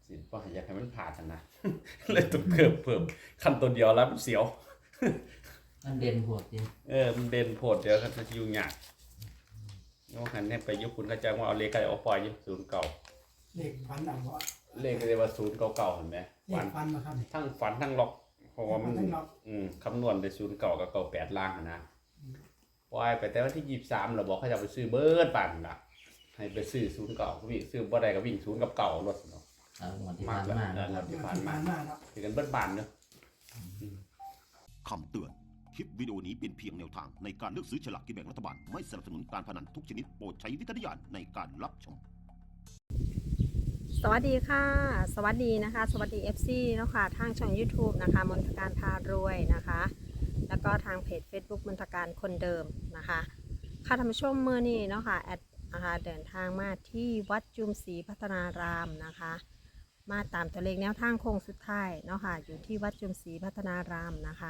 สิว่าอยากให้มันผ่ากันนะ เลยต้องเพิ่มขั้นตัวเดียวแล้วมันเสียวมันเด่นโหดจริงมันเด่นโพดเดี๋ยวเขาจะยุ่งยากงอหันเนี่ยไปยุคคุณเขาจะว่าเอาเลขอะไรเอาปล่อยยุคศูนย์เก่าเลขฟันเอาวะเลขก็เรียกว่าศูนย์เก่าเห็นไหมเลฝัขนฟันมาครับนี่ทั้งฝันทั้งล็อกเพราะว่ามันทั้งล็อกคำนวณได้ศูนย์เก่ากับเก่า8ล่างนะปล่อยไปแต่วันที่23เราบอกเขาจะไปซื้อเบิร์ดปั่นล่ะให้ไปซื้อศูนย์เก่าวิ่งซื้อบ่ได้ก็วิ่งศูนย์กับเก่ารถเนาะเอาหมดที่มากผ่านแล้วมาที่ที่ผ่าผ่าน นมามาเนาะคือกันเบิร์ดบานเนาะคำเตือน คลิปวิดีโอนี้เป็นเพียงแนวทางในการเลือกซื้อฉลากกินแบ่งรัฐบาล ไม่สนับสนุนการพนันทุกชนิดโปรดใช้วิจารณญาณในการรับชมสวัสดีค่ะ สวัสดีนะคะ สวัสดี FC เนาะค่ะทางช่อง YouTube นะคะมนทการพารวยนะคะ แล้วก็ทางเพจ Facebook มนทการคนเดิมนะคะค่ะท่านผู้ชมเมื่อนี้เนาะค่ะแอดนะคะเดินทางมาที่วัดจุมศรีพัฒนารามนะคะ มาตามตัวเลขแนวทางโค้งสุดท้ายเนาะค่ะอยู่ที่วัดจุมศรีพัฒนารามนะคะ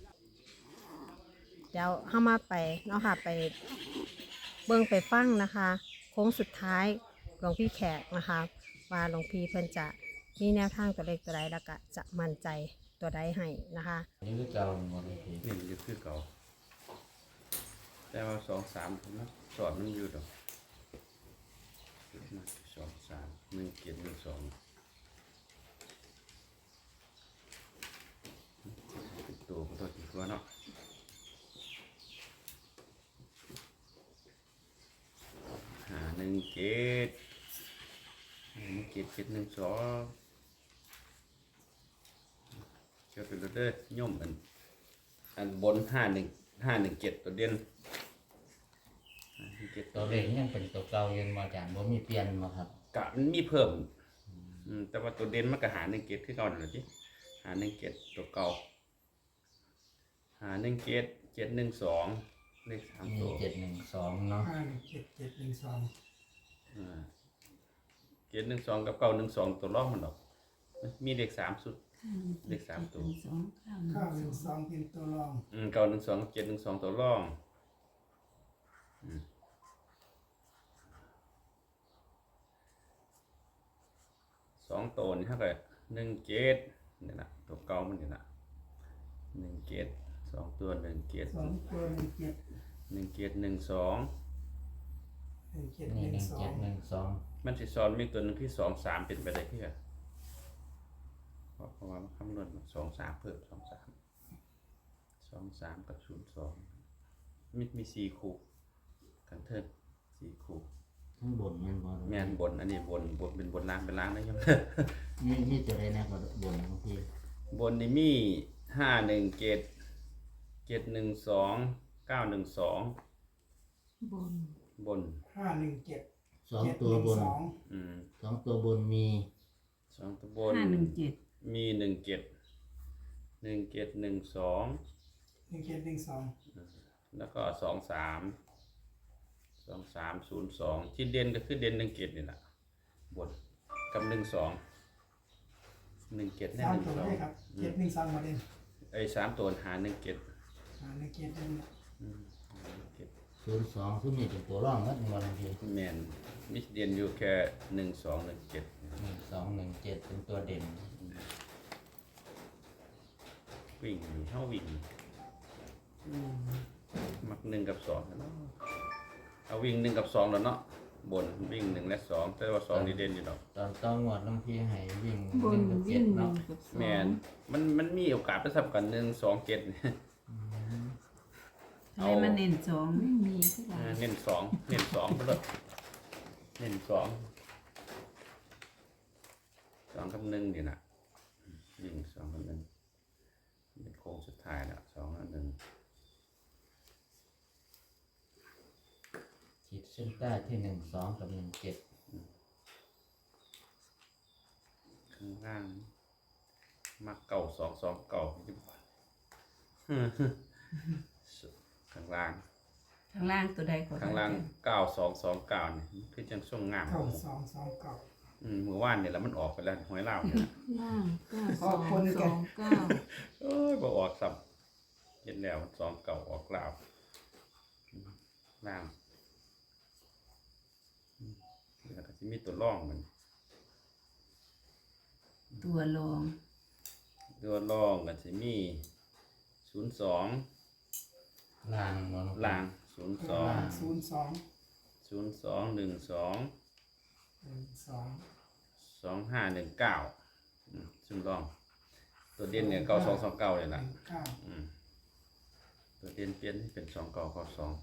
เดี๋ยวเข้ามาไปเนาะค่ะไปเบิ่งไปฟังนะคะโค้งสุดท้ายหลวงพี่แขกนะคะว่าหลวงพี่เพิ่นจะมีแนวทางตัวเลขตัวใดแล้วก็จะมั่นใจตัวใดให้นะคะนี่คือเก่าหมดเลยพี่นี่มันจะคือเก่าแต่ว่า2-3นะสอดมันอยู่ดอกมา2-3 1 7 1 2ติดตัวก็ตัวติดตัวเนาะ1 7 1 7 7 1 2เจ้าเป็นรถเด้อย่อมอันบน5 1 7ตัวเด่น5 1 7 ตัวเลขยังเป็นตัวเก่ายังมาจากบ่มีเปลี่ยนมาครับกะมันมีเพิ่มแต่ว่าตัวเด่นมันก็หา1 7คือเก่านั่นแหละจิหา1 7ตัวเก่าหา1 7 7 1 2เลข3 มีตัว 712เนาะ 517712 7 1 2กับ9 1 2ตัวรองมันดอกมีเลข3สุดเลข3ตัว 912เป็นตัวรอง 9 1 2 7 1 2ตัวรอง2ตัวนี่เท่ากับ1 7นี่นะตัวเก่ามันนี่นะ1 7 2ตัว1 7 2ตัว17 1 7 1 2 นี่ 1712 1712 มันสิซ้อนมีตัวหนึงที่2 3เป็นไปได้ที่อะเพราะว่ามันคำนวณ2 3เพิ่ม2 3กับ02มี4คู่กันเทิง4คู่ทั้งบนแม่นบ่แม่นบนอันนี้บนเป็นบนล่างเป็นล่างนะยังมีตัวใดแน่กว่าบนของพี่บนนี่มี5 1 7 7 1 2 9 1 2บน 517 สองตัวบน 712 สองตัวบนมี 2ตัวบนมี1 7 1 7 1 2 1712 แล้วก็2302ที่เด่นก็คือเด่น1 7นี่แหละบนกับ1 2 1 7แน่ 3ตัวได้ครับ712มาเด่นไอ้3ตัวหา1 7 17เด่น 02ซึ่งนี่เป็นตัวรองนัดมาเลยพี่แม่นมิเด่นอยู่แค่1 2 1 7 1217เป็นตัวเด่นวิ่งอยู่เท่าวิ่งมัก1 กับ 2เนาะเอาวิ่ง1 กับ 2แล้วเนาะบนวิ่ง1 และ 2แต่ว่า2นี่เด่นอยู่ดอกตอนต้องงวดน้องพี่ให้วิ่งบน 1กับวิ่ง 7เนาะกับแม่นมันมีโอกาสไปสับกัน1 2 7เนี่ยอะไรมาเน้นสองไม่มีที่ไหนเน้น2ไปเลยเน้น2 2 กับ1นี่นะวิ่ง2 กับ1เป็นโค้งสุดท้ายแล้ว2 กับ 1 ขีดเส้นใต้ที่12กับ17 ข้างล่างมักเก่า2 2 เก่าข้างล่างข้างล่างตัวใดก็ข้างล่าง9229นี่คือจังส่งงาม 9229 เมื่อวานเนี่ยแล้วมันออกไปแล้วหวยลาวเนี่ยล่าง9 2 2 9 เอ้ยบ่ออกซ้ำเห็นแล้ว2 เก่าออกลาวล่างแล้วก็สิมีตัวร่องมันตัวรองตัวรองก็จะมี02 ล่างบ่ลูกล่างล่าง02 02 2519ซึ่งรองตัวเด่นเนี่ย9229เลยล่ะ ตัวเด่นเปลี่ยนเป็น2992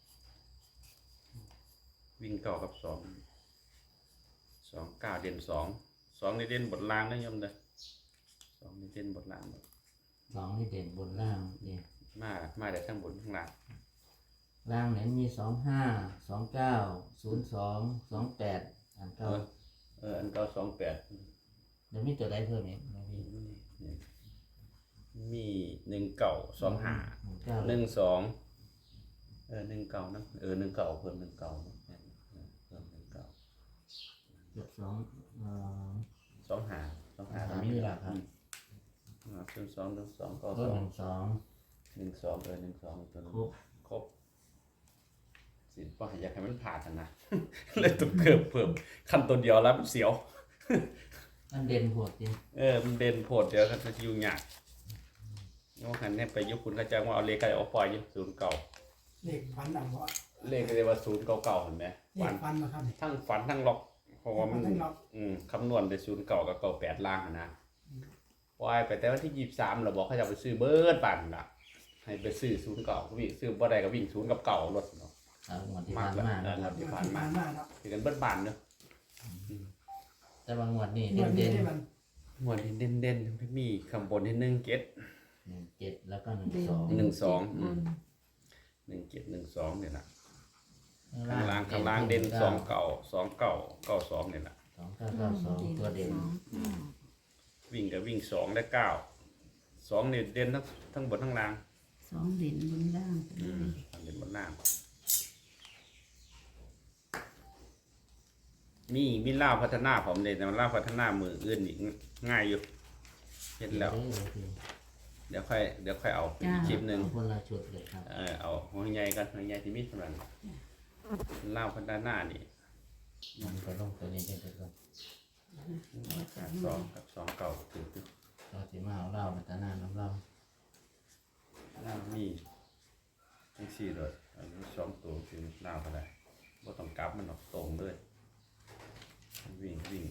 วิ่งเก้ากับ29เด่น2นี่เด่นบนล่างนะโยมเด้อ2นี่เด่นบนล่างหมดสองนี่เด่นบนล่างนี่มาได้ทั้งบนทั้งล่างล่างเนี่ยมี25 29 02 28อันเก่าอันเก้า28 เดี๋ยวมีตัวใดเพิ่มอีกไหมพี่มี1925 เก้า 1219นะ19เพิ่ม19นะเพิ่ม19 เจ็ดสอง 25ก็มีนี่แหละครับซึ่ง2 ก็12 12ตัวนึงครบครบสิบ่อยากให้มันผ่านนะ เลยต้องเพิ่มขั้นตัวเดียวแล้วมันเสียวอันเด่นโหดจริงมันเด่นโพดเดี๋ยวเขาจะยุ่งยากว่าหันเนี่ยไปยุคคุณเขาจ้างว่าเอาเลขอะไรเอาปล่อยอยู่09 เลขฟันเอาวะเลขเรียกว่า099เห็นไหมเลขฟันนะครับทั้งฝันทั้งล็อกเพราะว่ามันทั้งล็อกคำนวณได้09กับ98ล่างอะนะปล่อยไปแต่วันที่23เราบอกเขาจะเอาไปซื้อเบิร์ดปั่นล่ะให้ไปซื้อ09วิ่งซื้อบ่ได้ก็วิ่ง0กับ9รถเนาะเอางวดที่มาผ่าก นแล้วมานะครับที่ที่ผ่าผ่าน นมามาเนาะคือกันเบิดบานเนาะแต่บางงวดนี่วันเด่นี้นได้มันหมวดที่เด่นๆไม่มีข้างบนที่1เกต 17แล้วก็เด่น 12 บน 1เกต12เนี่ยนะข้างล่างเด่น29เนี่ยนะ 2992ตัวเด่นวิ่งกับวิ่ง2และ9เนี่ยเด่นทั้งบนทั้งล่าง 2เด่นบนล่างเด่นบนล่างมีล่าวพัฒนาผมเลยแต่มันล่าวพัฒนามืออื่นอีกง่ายอยู่เห็นแล้ว เดี๋ยวค่อยเอาอีกคลิปหนึ่งคนละชุดเลยครับเอาหัวใหญ่กันหัวใหญ่ที่มีสำคัญล่าวพัฒนานี่มันก็ลงตัวนี้เป็นตัว 2 เก่าถึงเราสิมาเอาเหล้าพัฒนาน้ำเหล้าล่าวมีทั้ง4เลยอันนี้2ตัวคือล่าวก็ได้บ่ต้องกลับมันออกตรงด้วยวิ่ง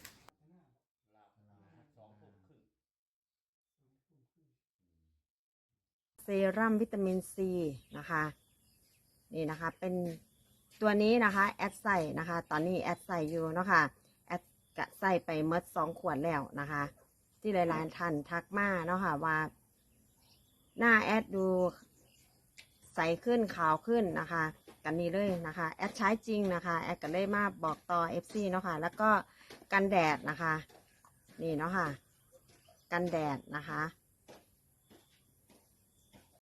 เซรั่มวิตามินซีนะคะนี่นะคะเป็นตัวนี้นะคะแอดใส่นะคะตอนนี้แอดใส่อยู่เนาะค่ะแอดกะใส่ไปเมด2 ขวดแล้วนะคะ ที่หลายๆท่านทักมาเนาะค่ะว่าหน้าแอดดูใสขึ้นขาวขึ้นนะคะกันนี้เลยนะคะแอดใช้จริงนะคะแอดก็เลยมาบอกต่อ FC เนาะค่ะแล้วก็กันแดดนะคะนี่เนาะค่ะกันแดดนะคะ